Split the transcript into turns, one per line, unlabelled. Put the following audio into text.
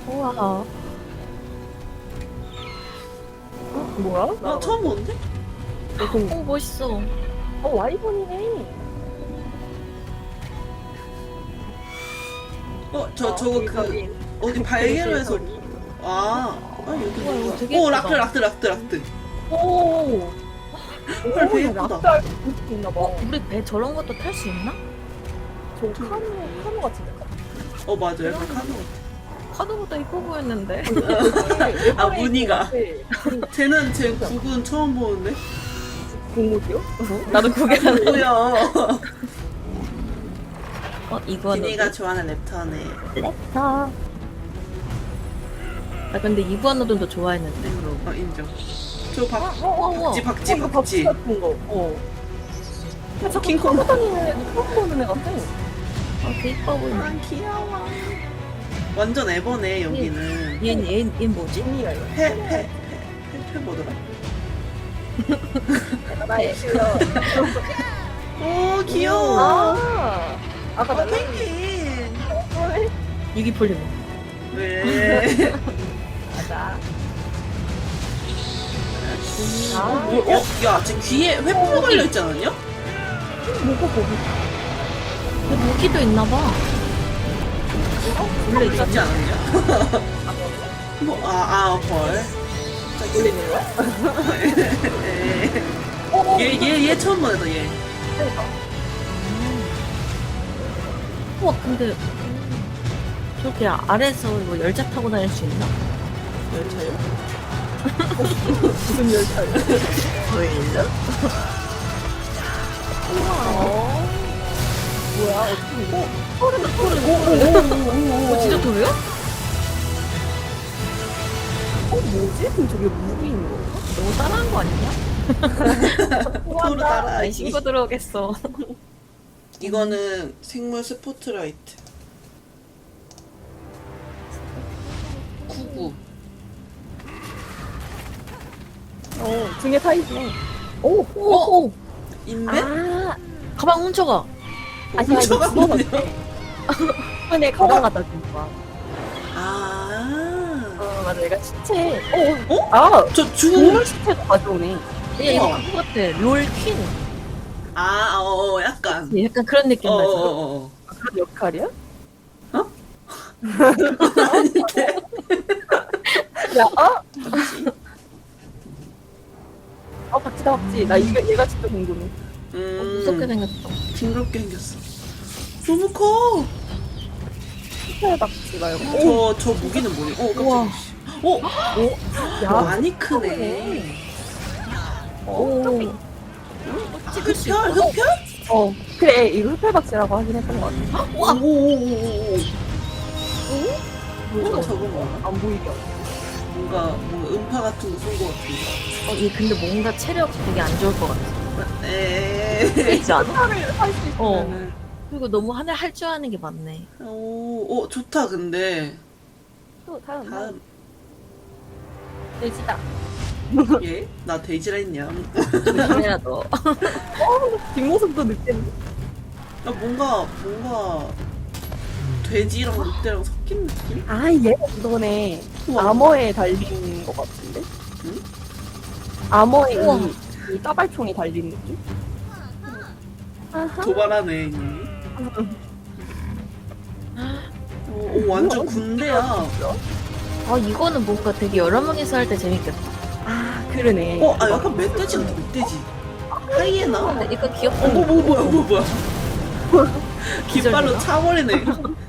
우와. 뭐야?
나 처음 보는데?
오, 멋있어.
와이번이네.
저거 어디 발견해서. 여기
우와, 이거 되게
오,
예쁘다.
락트.
오.
헐, 배 예쁘다.
낙달 있나봐.
우리 배 저런 것도 탈 수 있나?
저 카누 같이 생겼다.
맞아. 약간 카누.
카드보다 이뻐 보였는데.
무늬가. 쟤는 제 국은 처음 보는데?
공무기요?
나도 그게 안
뭐야.
이거는.
비니가 좋아하는 랩터네.
자.
나 근데 이브아노도 더 좋아했는데.
인정. 저 박쥐.
이거 박쥐 같은 거. 자꾸
킹콩.
타고 다니는 애 처음 보는 애 같아.
되게 이뻐 보이네.
귀여워. 완전 에버네, 여기는.
얘 뭐지?
언니가 이거.
페 뭐더라?
나의 실력.
오, 귀여워.
아까 나
펭귄.
유기폴리머.
왜?
맞아.
야, 쟤 귀에 회포 걸려있지 않았냐?
뭐가 거기?
근데 무기도 있나봐. 원래
있지
있잖아.
않았냐? 벌.
돌리는 거야?
얘 처음 보내다, 얘.
그러니까.
우와, 근데 저렇게 아래에서 뭐 열차 타고 다닐 수 있나?
열차요?
무슨 열차야?
보일러?
뭐야? 어떻게 이거?
진짜 도요?
뭐지? 그럼 저게 무기인 건가?
너무 따라한 거 아니냐?
토로 따라.
아니, 신고 들어오겠어.
이거는 생물 스포트라이트. 99.
등에 타 있네.
오!
인베?
가방 훔쳐가.
아니,
훔쳐가
이거
뭐냐?
이번에 가방 갖다 준 거야. 맞아. 얘가 시체.
저 죽은.
동물 시체도 가져오네.
얘 이거
우와.
그거 같아. 롤 퀸.
약간.
약간 그런 느낌 나죠?
그런 역할이야?
아닌데.
야, 박쥐다, 박쥐. 나 얘가 진짜 궁금해.
무섭게 생겼어.
징그럽게 생겼어. 너무 커.
시체 박쥐 말고.
저 무기는 뭐니?
우와.
깜짝이야.
야,
많이 크네.
오. 찍을 수 있어.
흡혈?
그래. 이거 흡혈박쥐라고 하긴 했던 것 같아.
오오오오오.
뭐야?
저거 뭐야?
안 보이게.
뭔가 음파 같은 거 쏜 거 같은데.
얘 근데 뭔가 체력 되게 안 좋을 것 같아.
에이.
있지 않아?
하늘을 할 수 있으면은.
그리고 너무 하늘 할 줄 아는 게 많네.
좋다, 근데.
또 다음.
다음.
돼지다.
얘? 나 돼지라 했냐?
조심해라 너.
뒷모습도 늑대인데.
뭔가, 돼지랑 늑대랑 섞인 느낌?
얘가 그거네.
우와.
암호에 달린 것 같은데?
응?
암호에
우와.
이 따발총이 달린 느낌? 아하.
도발하네, 이. 완전 군대야.
이거는 뭔가 되게 여러 명이서 할 때 재밌겠다.
그러네.
약간 멧돼지 같아, 멧돼지. 하이에나?
근데 이거 귀엽다.
뭐야. 깃발로
기절되나?
차버리네.